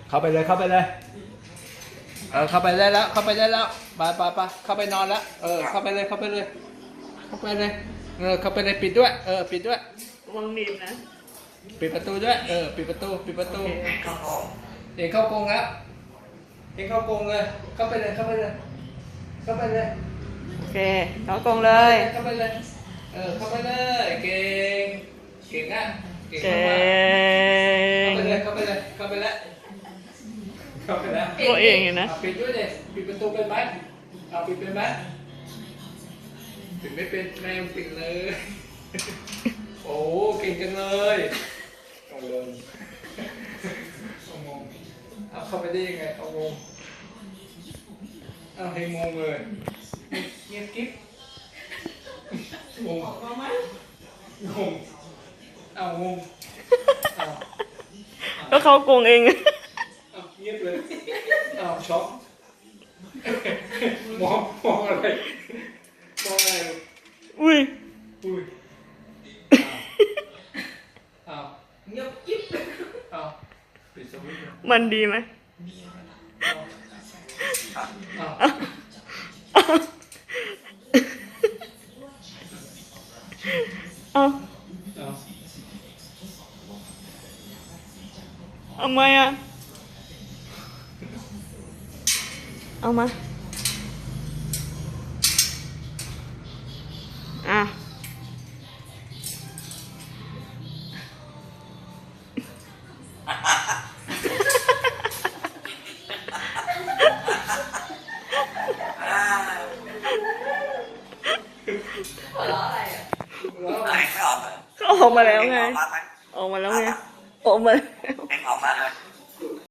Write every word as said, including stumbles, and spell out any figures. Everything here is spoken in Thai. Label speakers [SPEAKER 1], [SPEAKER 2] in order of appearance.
[SPEAKER 1] เข้าไปเลยเข้าไปเลยเออเข้าไปได้แล้วเข้าไปได้แล้วไปไปไปเข้าไปนอนแล้วเออเข้าไปเลยเข้าไปเลยเข้าไปเลยเออเข้าไปเลยปิดด้วยเออปิดด้วย
[SPEAKER 2] วางบีบนะ
[SPEAKER 1] ปิดประตูด้วยเออปิดประตูปิดประตู
[SPEAKER 2] โอเค
[SPEAKER 1] เองเข้ากรงแล้วเองเข้ากรงเลยเข้าไปเลยเข้าไปเลยเข้าไปเลย
[SPEAKER 2] โอเคเข้ากรงเลย
[SPEAKER 1] เข้าไปเลยเออเข้าไปเลยเก่งเก่งอ่ะเก่ง
[SPEAKER 2] เก่
[SPEAKER 1] มากๆเข้าไป
[SPEAKER 2] ง
[SPEAKER 1] เลยเข้าไปเลยเข้าไปแล้วเข้าไปแล้ว
[SPEAKER 2] ตัวเองอยู่นะ
[SPEAKER 1] าปิดด้วยเลยปิดประตูเป็นไหมเอาปิดเป็นไหมปิดไม่เป็นแม่งปิดเลย โอ้เก่งจังเลยเอาเลยเอางงเอาเข้าไปได้ยังไงเอางงเอาให้งงเลยเงียบกิ๊บงงงงเอางงเอา
[SPEAKER 2] ก็เข้ากรงเอง
[SPEAKER 1] เอาเงียบเลยเอาช็อกมองมองอะไรมองอะไร
[SPEAKER 2] อุ้ย
[SPEAKER 1] อุ้ยเอาเงียบกิ๊บเอาปิดสวิตช์เลย
[SPEAKER 2] มันดีไหม
[SPEAKER 1] เอา
[SPEAKER 2] เอา
[SPEAKER 1] เอา
[SPEAKER 2] เอามาอ่ะเอามาอ่ะ
[SPEAKER 1] แล้ว
[SPEAKER 2] ก็ออกมาแล้วไง ออกมาแล้วไง ออกมาแล้ว
[SPEAKER 3] เอ็งออกมาเลย